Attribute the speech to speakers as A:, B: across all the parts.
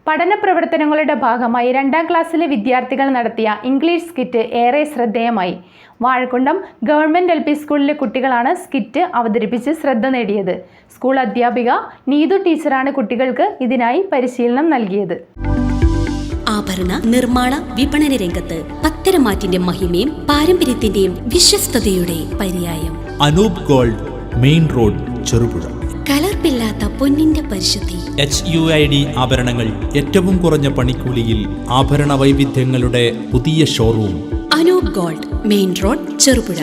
A: പഠന പ്രവർത്തനങ്ങളുടെ ഭാഗമായി 2ാം ക്ലാസ്സിലെ വിദ്യാർത്ഥികൾ നടത്തിയ ഇംഗ്ലീഷ് സ്കിറ്റ് ഏറെ ശ്രദ്ധേയമായി. വാഴക്കുളം ഗവൺമെന്റ് LP സ്കൂളിലെ കുട്ടികളാണ് സ്കിറ്റ് അവതരിപ്പിച്ച് ശ്രദ്ധ നേടിയത്. സ്കൂൾ അധ്യാപിക നീതു ടീച്ചറാണ് കുട്ടികൾക്ക് ഇതിനായി പരിശീലനം നൽകിയത്.
B: ആഭരണ നിർമ്മാണ വിപണന രംഗത്ത് പത്തരമാറ്റിന്റെ മഹിമയും പാരമ്പര്യത്തിന്റെയും വിശ്വസ്തയുടെ പര്യായം.
C: Anoop gold, main road, Cherupuzha.
B: കലർപ്പില്ലാത്ത പൊന്നിന്റെ പരിശുദ്ധി.
C: HUID ആഭരണങ്ങൾ ഏറ്റവും കുറഞ്ഞ പണിക്കൂലിയിൽ. ആഭരണ വൈവിധ്യങ്ങളുടെ പുതിയ showroom.
B: Anoop gold, main road, Cherupuzha.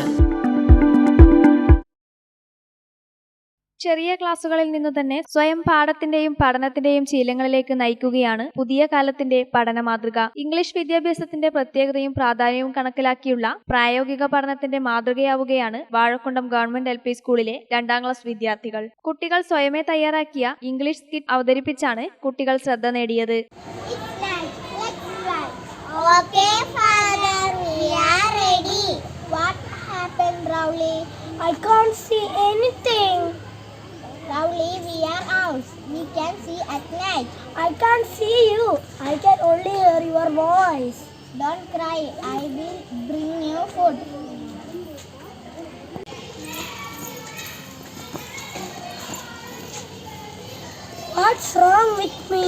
D: ചെറിയ ക്ലാസുകളിൽ നിന്നു തന്നെ സ്വയം പാഠത്തിന്റെയും പഠനത്തിന്റെയും ശീലങ്ങളിലേക്ക് നയിക്കുകയാണ് പുതിയ കാലത്തിന്റെ പഠന മാതൃക. ഇംഗ്ലീഷ് വിദ്യാഭ്യാസത്തിന്റെ പ്രത്യേകതയും പ്രാധാന്യവും കണക്കിലാക്കിയുള്ള പ്രായോഗിക പഠനത്തിന്റെ മാതൃകയാവുകയാണ് വാഴക്കുളം ഗവൺമെന്റ് LP സ്കൂളിലെ 2ാം ക്ലാസ് വിദ്യാർത്ഥികൾ. കുട്ടികൾ സ്വയമേ തയ്യാറാക്കിയ ഇംഗ്ലീഷ് സ്കിറ്റ് അവതരിപ്പിച്ചാണ് കുട്ടികൾ ശ്രദ്ധ നേടിയത്.
E: Rowley, we are owls. We can see at night. I can't see you. I can only hear your voice. Don't cry. I will bring you food. What's wrong with me?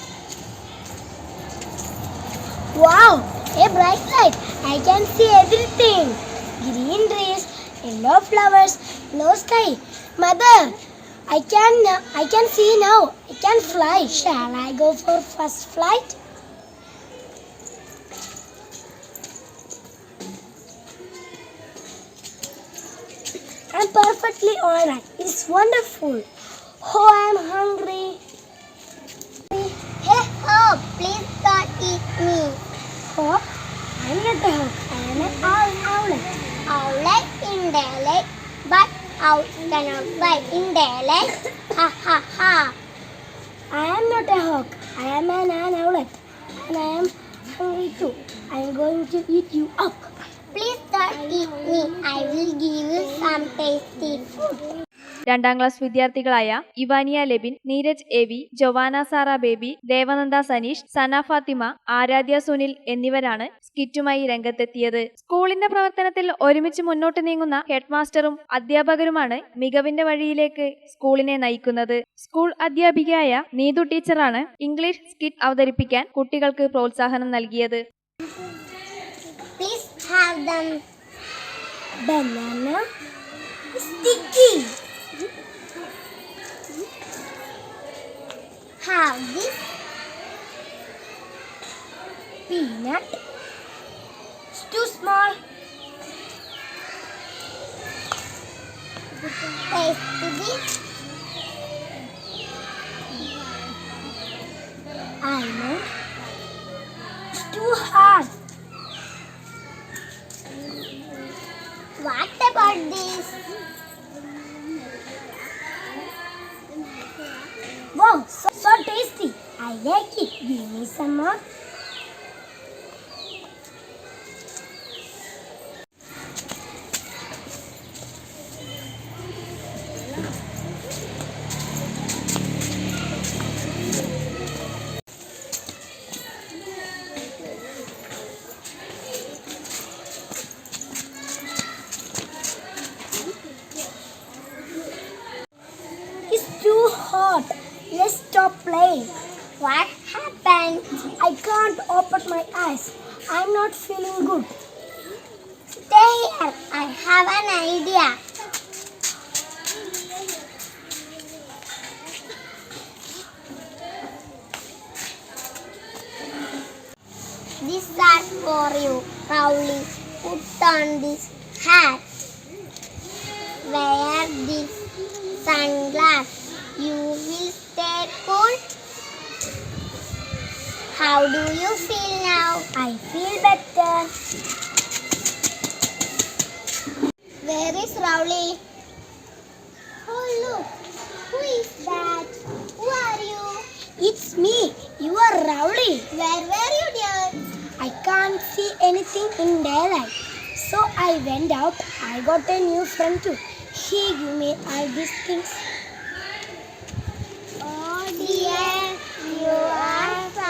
E: Wow, a bright light. I can see everything. Green trees, yellow flowers, blue sky. Mother, I can see now. I can fly. Shall I go for first flight? I'm perfectly alright. It's wonderful. Oh, I'm hungry. Hey, Hope, please don't eat me. Hope? I'm not a Hope. I'm an owlet. Owlet in daylight, but owl cannot fly in daylight. Ha ha ha. I am not a hawk. I am an owlet. And I am hungry too. I am going to eat you up. Please don't eat me. I will give you some tasty food.
D: 2ാം class വിദ്യാർത്ഥികളായ Ivania Lebin, Neeraj AV, Jowana Sara Baby, Devananda Saneesh, Sana Fathima, Aradhya Sunil എന്നിവരാണ് സ്കിറ്റുമായി രംഗത്തെത്തിയത്. സ്കൂളിന്റെ പ്രവർത്തനത്തിൽ ഒരുമിച്ച് മുന്നോട്ട് നീങ്ങുന്ന ഹെഡ് മാസ്റ്ററും അധ്യാപകരുമാണ് മികവിന്റെ വഴിയിലേക്ക് സ്കൂളിനെ നയിക്കുന്നത്. സ്കൂൾ അധ്യാപികയായ നീതു ടീച്ചറാണ് ഇംഗ്ലീഷ് സ്കിറ്റ് അവതരിപ്പിക്കാൻ കുട്ടികൾക്ക് പ്രോത്സാഹനം നൽകിയത്.
E: Please have them. Banana sticky. Have this peanut. It's too small. Taste this. Almond. It's too hard. What about this? Wow, so tasty. I like it. Give me some more. It's too hot. Let's stop playing. What happened? I can't open my eyes. I'm not feeling good. Stay here. I have an idea. These are for you, Rowley. Put on this hat. Wear this sunglasses. You will stay cool. How do you feel now? I feel better. Where is Rowley? Oh look, who is that? Who are you? It's me. You are Rowley. Where were you, dear? I can't see anything in daylight. So I went out. I got a new friend too. He gave me all these things. Oh dear, you are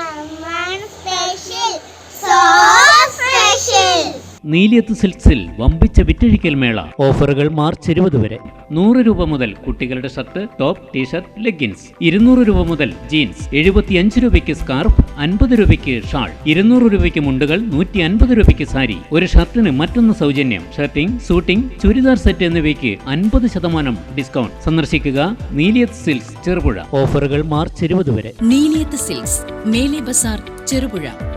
E: so special.
F: നീലിയത്ത് സിൽക്സിൽ വമ്പിച്ച വിറ്റഴിക്കൽ മേള. ഓഫറുകൾ March 20 വരെ. 100 രൂപ മുതൽ കുട്ടികളുടെ shirt, top, T shirt, leggings. 200 രൂപ മുതൽ jeans. 75 രൂപയ്ക്ക് സ്കാർഫ്, 50 രൂപയ്ക്ക് ഷാൾ. 200 രൂപയ്ക്ക് മുണ്ടുകൾ, 150 രൂപയ്ക്ക് സാരി. ഒരു ഷർട്ടിന് മറ്റൊന്ന് സൗജന്യം. ഷർട്ടിംഗ്, സൂട്ടിംഗ്, ചുരിദാർ സെറ്റ് എന്നിവയ്ക്ക് 50% ഡിസ്കൗണ്ട്. സന്ദർശിക്കുക നീലിയത്ത് സിൽക്സ് ചെറുപുഴ. ഓഫറുകൾ മാർച്ച് 20 വരെ.
B: നീലിയത്ത് സിൽക്സ്, മേലെ ബസാർ, ചെറുപുഴ.